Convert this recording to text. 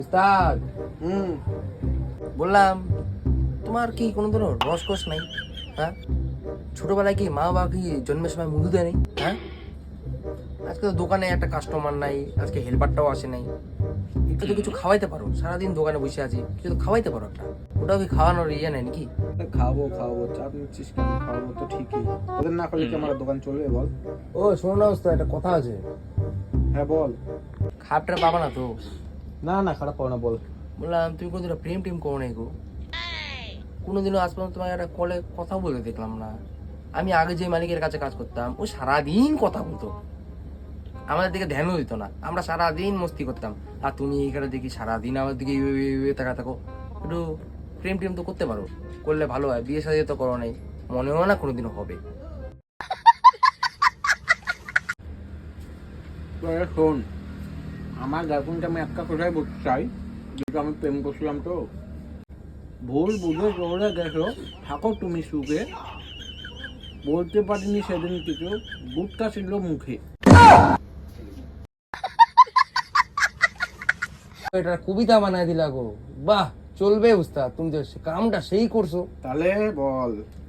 উস্তাদ বললাম তোমার কি কোনো ধরনের রসকস নাই? হ্যাঁ, ছোটবেলায় কি মা বাবা কি জন্মের সময় মুদু দেয় নাই? হ্যাঁ, আজকে তো দোকানে একটা কাস্টমার নাই, আজকে হেল্পারটাও আসে নাই। একটু তো কিছু খাওয়াইতে পারো, সারাদিন দোকানে বসে আছি, কিছু তো খাওয়াইতে পারো একটা। ওটাও কি খাওয়ানোর ইয়ে নেই নাকি? খাবো খাবো, চাপ নিচ্ছিস কেন? খাওয়াবো তো ঠিকই, ওদের না করলে কি আমার দোকান চলবে বল? ও শোনো না উস্তাদ, একটা কথা আছে। হ্যাঁ বল। খাপটা পাবা না তো? না না, খারাপ পাও না, বল। বললাম তুমি কোনোদিনও প্রেম টেম করো নাই গো? কোনোদিনও আজ পর্যন্ত তোমার একটা কলে কথা বলে দেখলাম না। আমি আগে যে মালিকের কাছে কাজ করতাম, ও সারাদিন কথা বলতো, আমাদের দিকে ধ্যানও দিত না। আমরা সারাদিন মস্তি করতাম, আর তুমি এইখানে দেখি সারাদিন আমার দিকে তাকা থাকো। একটু প্রেম টেম তো করতে পারো, করলে ভালো হয়। বিয়ে সাথে তো করো নাই, মনেও না কোনোদিনও হবে। শোন, আমার গার্লফ্রেন্ডকে আমি একটা কথাই বলতে চাই, যেটা আমি প্রেম করছিলাম তো, ভুল বুঝে চলে গেছো, থাকো তুমি সুখে। বলতে পারিনি সেদিন কিছু, বুটটা ছিল মুখে। এটা কবিতা বানায় দিলা গো, বাহ! চলবে উস্তাদ, তুমি তো কামটা সেই করছো। তাহলে বল।